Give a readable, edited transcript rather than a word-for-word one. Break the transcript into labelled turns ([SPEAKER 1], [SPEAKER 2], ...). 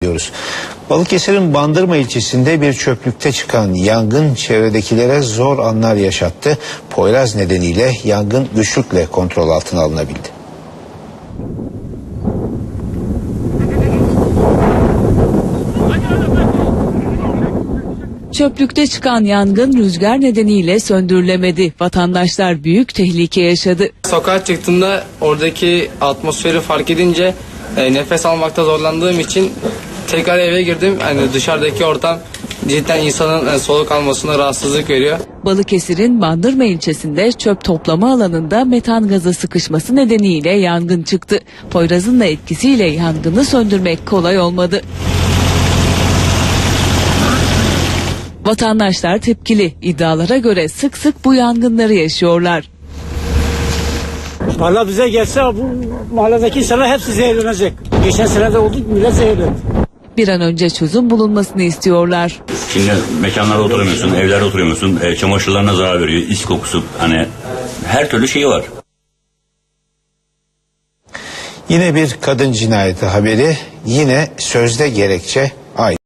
[SPEAKER 1] Balıkesir'in Bandırma ilçesinde bir çöplükte çıkan yangın çevredekilere zor anlar yaşattı. Poyraz nedeniyle yangın güçlükle kontrol altına alınabildi.
[SPEAKER 2] Çöplükte çıkan yangın rüzgar nedeniyle söndürülemedi. Vatandaşlar büyük tehlike yaşadı.
[SPEAKER 3] Sokağa çıktığımda oradaki atmosferi fark edince nefes almakta zorlandığım için tekrar eve girdim. Yani dışarıdaki ortam cidden insanın soluk almasına rahatsızlık veriyor.
[SPEAKER 2] Balıkesir'in Bandırma ilçesinde çöp toplama alanında metan gazı sıkışması nedeniyle yangın çıktı. Poyraz'ın da etkisiyle yangını söndürmek kolay olmadı. Vatandaşlar tepkili. İddialara göre sık sık bu yangınları yaşıyorlar.
[SPEAKER 4] Valla bize gelse bu mahalledeki insanlar hepsi zehirlenecek. Geçen sene de oldu, millet zehirlendi.
[SPEAKER 2] Bir an önce çözüm bulunmasını istiyorlar.
[SPEAKER 5] Şimdi mekanlarda oturamıyorsun, evlerde oturamıyorsun, çamaşırlarına zarar veriyor, is kokusu, hani her türlü şeyi var.
[SPEAKER 1] Yine bir kadın cinayeti haberi, yine sözde gerekçe aynı.